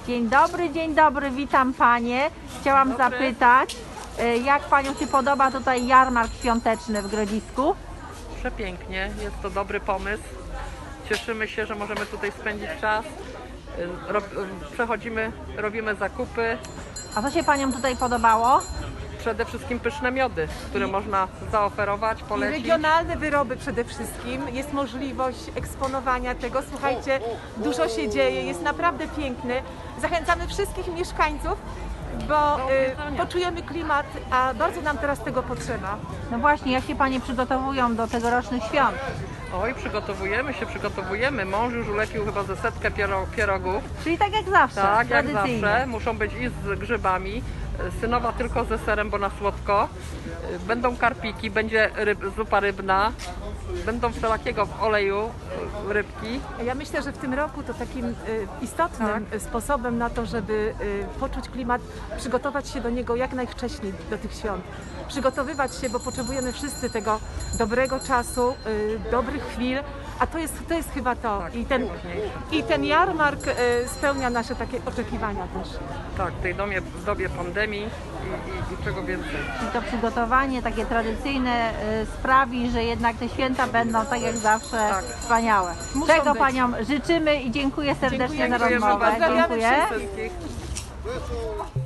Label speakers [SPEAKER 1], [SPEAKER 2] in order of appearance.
[SPEAKER 1] Dzień dobry, witam Panie. Chciałam zapytać, jak Paniom się podoba tutaj jarmark świąteczny w Grodzisku?
[SPEAKER 2] Przepięknie, jest to dobry pomysł. Cieszymy się, że możemy tutaj spędzić czas. Przechodzimy, robimy zakupy.
[SPEAKER 1] A co się Paniom tutaj podobało?
[SPEAKER 2] Przede wszystkim pyszne miody, które można zaoferować,
[SPEAKER 3] I
[SPEAKER 2] polecić.
[SPEAKER 3] regionalne wyroby przede wszystkim. Jest możliwość eksponowania tego. Słuchajcie, dużo się dzieje, jest naprawdę piękny. Zachęcamy wszystkich mieszkańców, bo poczujemy klimat, a bardzo nam teraz tego potrzeba.
[SPEAKER 1] No właśnie, jak się Panie przygotowują do tegorocznych świąt?
[SPEAKER 2] Oj, przygotowujemy. Mąż już ulepił chyba ze setkę pierogów.
[SPEAKER 1] Czyli tak jak zawsze,
[SPEAKER 2] Tak, jak
[SPEAKER 1] tradycyjnie.
[SPEAKER 2] zawsze. Muszą być i z grzybami. Synowa tylko ze serem, bo na słodko. Będą karpiki, będzie zupa rybna. Będą wszelakiego w oleju rybki.
[SPEAKER 3] Ja myślę, że w tym roku to takim istotnym sposobem na to, żeby poczuć klimat, przygotować się do niego jak najwcześniej, do tych świąt. Przygotowywać się, bo potrzebujemy wszyscy tego dobrego czasu, dobrych chwil, a to jest chyba to.
[SPEAKER 2] Tak,
[SPEAKER 3] I ten jarmark spełnia nasze takie oczekiwania też.
[SPEAKER 2] Tak, w dobie pandemii i czego więcej.
[SPEAKER 1] Czyli to przygotowanie takie tradycyjne sprawi, że jednak te święta będą tak jak zawsze wspaniałe.
[SPEAKER 3] Muszą
[SPEAKER 1] Czego
[SPEAKER 3] być.
[SPEAKER 1] Paniom życzymy i dziękuję serdecznie za
[SPEAKER 3] Dziękujemy
[SPEAKER 1] rozmowę.
[SPEAKER 3] bardzo. Pozdrawiamy
[SPEAKER 1] Dziękuję.
[SPEAKER 2] Wszystkich.